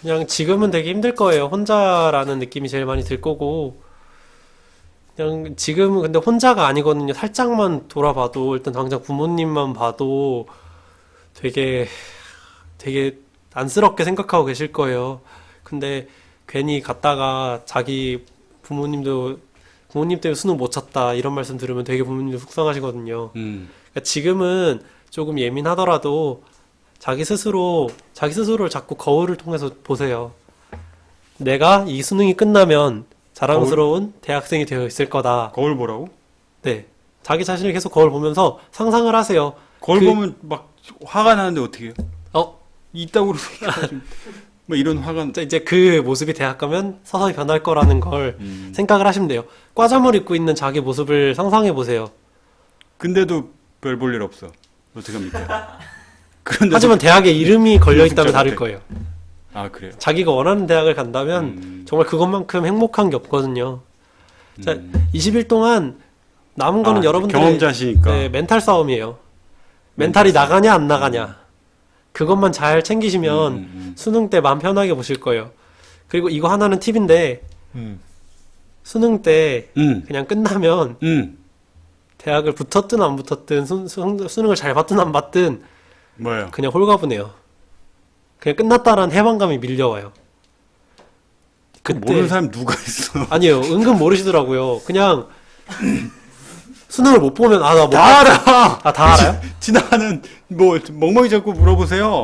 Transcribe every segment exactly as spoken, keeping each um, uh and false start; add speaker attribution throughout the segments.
Speaker 1: 그냥 지금은 되게 힘들 거예요. 혼자라는 느낌이 제일 많이 들 거고, 그냥 지금은 근데 혼자가 아니거든요. 살짝만 돌아봐도, 일단 당장 부모님만 봐도 되게, 되게 안쓰럽게 생각하고 계실 거예요. 근데 괜히 갔다가 자기 부모님도, 부모님 때문에 수능 못 쳤다, 이런 말씀 들으면 되게 부모님도 속상하시거든요.
Speaker 2: 음.
Speaker 1: 그러니까 지금은 조금 예민하더라도 자기 스스로, 자기 스스로를 자꾸 거울을 통해서 보세요. 내가 이 수능이 끝나면 자랑스러운 대학생이 되어 있을 거다.
Speaker 2: 거울 보라고?
Speaker 1: 네. 자기 자신을 계속 거울 보면서 상상을 하세요.
Speaker 2: 거울
Speaker 1: 그-
Speaker 2: 보면 막 화가 나는데 어떻게 해요?
Speaker 1: 어,
Speaker 2: 이따구로 뭐 이런 화가
Speaker 1: 이제 그 모습이 대학 가면 서서히 변할 거라는 걸
Speaker 2: 음.
Speaker 1: 생각을 하시면 돼요. 과잠을 입고 있는 자기 모습을 상상해 보세요.
Speaker 2: 근데도 별 볼 일 없어. 어떻게 합니까? 그런데
Speaker 1: 하지만 대학에 이름이 걸려 있다면
Speaker 2: 연습자
Speaker 1: 다를
Speaker 2: 같아.
Speaker 1: 거예요.
Speaker 2: 아 그래요.
Speaker 1: 자기가 원하는 대학을 간다면
Speaker 2: 음.
Speaker 1: 정말 그것만큼 행복한 게 없거든요. 자,
Speaker 2: 음.
Speaker 1: 이십 일 동안 남은 거는
Speaker 2: 아,
Speaker 1: 여러분들의
Speaker 2: 경험자시니까.
Speaker 1: 네, 멘탈 싸움이에요. 멘탈이
Speaker 2: 멘탈 싸움.
Speaker 1: 나가냐 안 나가냐. 그것만 잘 챙기시면
Speaker 2: 음, 음,
Speaker 1: 수능 때 마음 편하게 보실 거예요. 그리고 이거 하나는 팁인데
Speaker 2: 음.
Speaker 1: 수능 때
Speaker 2: 음.
Speaker 1: 그냥 끝나면
Speaker 2: 음.
Speaker 1: 대학을 붙었든 안 붙었든 수, 수, 수능을 잘 봤든 안 봤든
Speaker 2: 뭐예요?
Speaker 1: 그냥 홀가분해요. 그냥 끝났다라는 해방감이 밀려와요.
Speaker 2: 그 모르는 사람 누가 있어?
Speaker 1: 아니에요. 은근 모르시더라고요. 그냥 수능을 못 보면 아 나 못
Speaker 2: 다 알아.
Speaker 1: 아, 다 알아요?
Speaker 2: 지나가는 뭐 멍멍이 잡고 물어보세요.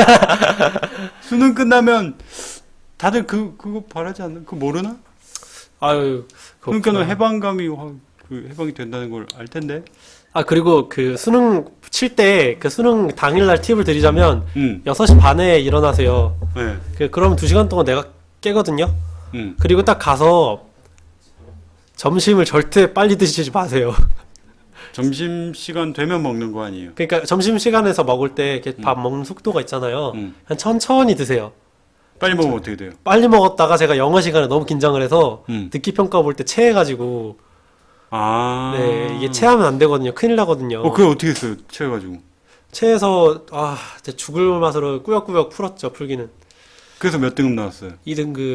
Speaker 2: 수능 끝나면 다들 그 그거 바라지 않나? 그거 모르나?
Speaker 1: 아유,
Speaker 2: 그러니까는
Speaker 1: 그렇구나.
Speaker 2: 해방감이 확 그 해방이 된다는 걸 알 텐데.
Speaker 1: 아, 그리고 그 수능 칠 때 그 수능 당일날 팁을 드리자면
Speaker 2: 음.
Speaker 1: 여섯 시 반에 일어나세요.
Speaker 2: 네.
Speaker 1: 그, 그러면 두 시간 동안 내가 깨거든요?
Speaker 2: 음.
Speaker 1: 그리고 딱 가서 점심을 절대 빨리 드시지 마세요.
Speaker 2: 점심 시간 되면 먹는 거 아니에요?
Speaker 1: 그러니까 점심시간에서 먹을 때 이렇게 밥 먹는 속도가 있잖아요.
Speaker 2: 음.
Speaker 1: 한 천천히 드세요.
Speaker 2: 빨리 먹으면 어떻게 돼요?
Speaker 1: 빨리 먹었다가 제가 영어 시간에 너무 긴장을 해서
Speaker 2: 음.
Speaker 1: 듣기 평가 볼 때 체해가지고
Speaker 2: 아.
Speaker 1: 네, 이게 체하면 안 되거든요. 큰일 나거든요.
Speaker 2: 어, 그걸 어떻게 했어요? 체해가지고.
Speaker 1: 체해서 아, 진짜 죽을 맛으로 꾸역꾸역 풀었죠, 풀기는.
Speaker 2: 그래서 몇 등급 나왔어요?
Speaker 1: 이 등급.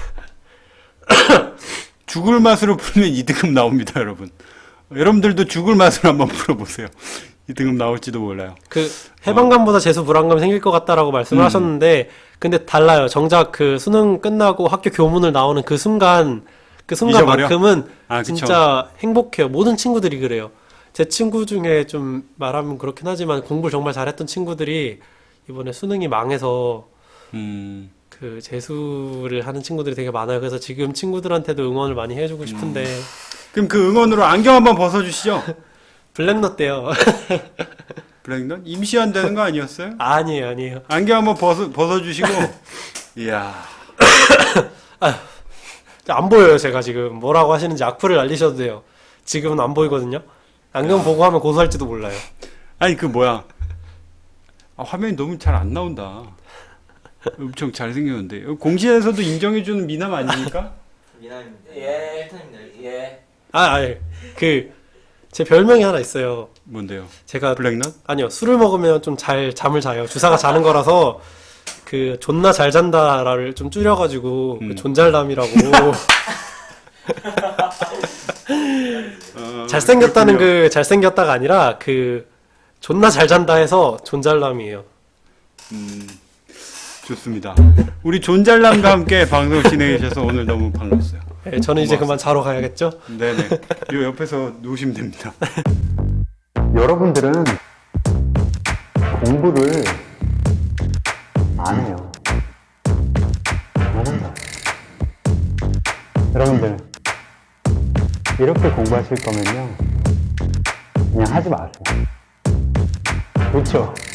Speaker 2: 죽을 맛으로 풀면 이 등급 나옵니다, 여러분. 여러분들도 죽을 맛으로 한번 풀어보세요. 이 등급 나올지도 몰라요.
Speaker 1: 그 해방감보다 재수 불안감이 생길 것 같다라고 말씀을
Speaker 2: 음.
Speaker 1: 하셨는데 근데 달라요. 정작 그 수능 끝나고 학교 교문을 나오는 그 순간 그 순간만큼은
Speaker 2: 아, 그쵸.
Speaker 1: 진짜 행복해요. 모든 친구들이 그래요. 제 친구 중에 좀 말하면 그렇긴 하지만 공부를 정말 잘했던 친구들이 이번에 수능이 망해서
Speaker 2: 음.
Speaker 1: 그 재수를 하는 친구들이 되게 많아요. 그래서 지금 친구들한테도 응원을 많이 해주고 싶은데
Speaker 2: 그럼 그 응원으로 안경 한번 벗어주시죠.
Speaker 1: 블랙넛 때요.
Speaker 2: 블랙넌? 임시완 되는 거 아니었어요?
Speaker 1: 아니에요, 아니에요.
Speaker 2: 안경 한번 벗어, 벗어주시고. 이야.
Speaker 1: 안 보여요, 제가 지금. 뭐라고 하시는지 악플을 날리셔도 돼요. 지금은 안 보이거든요. 안경 보고 하면 고소할지도 몰라요.
Speaker 2: 아니, 그 뭐야. 아, 화면이 너무 잘 안 나온다. 엄청 잘생겼는데. 공시에서도 인정해주는 미남 아닙니까?
Speaker 3: 미남입니다. 예. 일탄입니다. 예.
Speaker 1: 아, 아니, 그, 제 별명이 하나 있어요.
Speaker 2: 뭔데요?
Speaker 1: 제가,
Speaker 2: 블랙넌?
Speaker 1: 아니요, 술을 먹으면 좀 잘 잠을 자요. 주사가 자는 거라서, 그, 존나 잘 잔다를 좀 줄여가지고,
Speaker 2: 음.
Speaker 1: 그 존잘남이라고.
Speaker 2: 어,
Speaker 1: 잘생겼다는
Speaker 2: 그렇군요.
Speaker 1: 그, 잘생겼다가 아니라, 그, 존나 잘 잔다 해서 존잘남이에요.
Speaker 2: 음, 좋습니다. 우리 존잘남과 함께 방송 진행해 주셔서 오늘 너무 반갑어요.
Speaker 1: 네, 저는 이제
Speaker 2: 고맙습니다.
Speaker 1: 그만 자러 가야겠죠?
Speaker 2: 네네. 요 옆에서 누우시면 됩니다.
Speaker 4: 여러분들은 공부를 안 해요. 모른다. 여러분들, 이렇게 공부하실 거면요. 그냥 하지 마세요. 그렇죠?